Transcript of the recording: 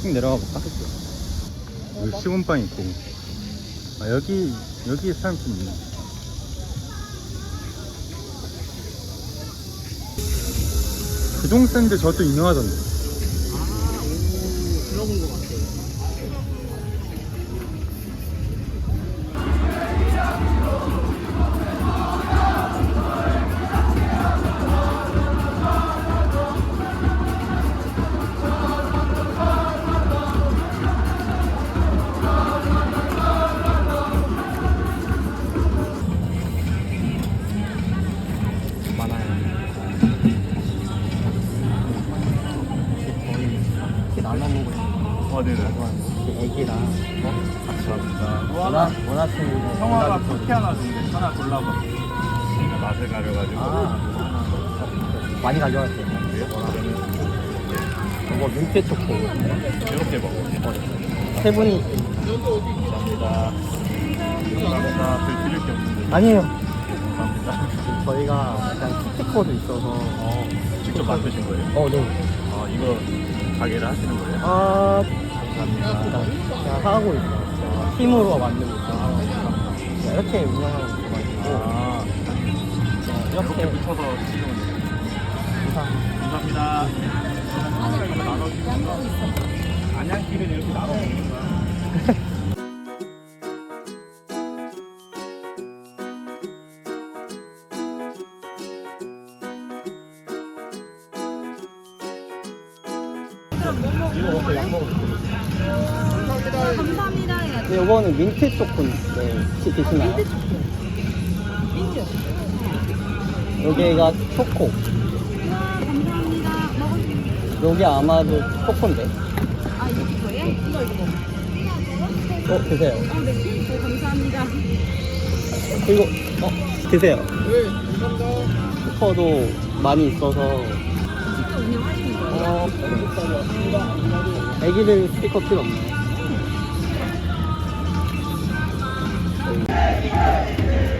쭉 내려가 볼까? 여기 시공빵 있고. 아, 여기 사람 좀 있네. 구동 샌드 저도 유명하던데. 들어본 것 같아요. 날라보고 있는 네네. 애기랑 감사합니다. 원하시는 형아가 쿠키 하나 준대. 하나 골라봐. 맛을 가려가지고. 많이 가져왔어요. 이거 민트 초코 이렇게 먹어. 세 분이 감사합니다. 감사합니다. 별 드릴 게 없는데. 아니에요. 감사합니다. 저희가 약간 스티커도 있어서 직접 만드신 거예요? 네. 아, 이거 가게를 하시는 거예요? 감사합니다. 제가 하고 있어요. 제가 팀으로 만들고 있어요. 제가 이렇게 운영하고 있어가지고 이렇게 붙여서 치는 거예요. 감사합니다. 안양길은 이렇게 나눠 먹는 거야. 이거 먹고 약 먹을게요. 감사합니다 해야지. 네, 이거는 민트 초코인데 혹시 드시나요? 민트. 여기가 초코. 우와 감사합니다. 먹을 여기 아마도 초코인데. 아 이거예요? 이거. 드세요. 네. 감사합니다. 그리고 드세요. 네, 감사합니다. 스티커도 많이 있어서. 직접 운영하시는 거예요? 애기들 스티커 필요 없나요?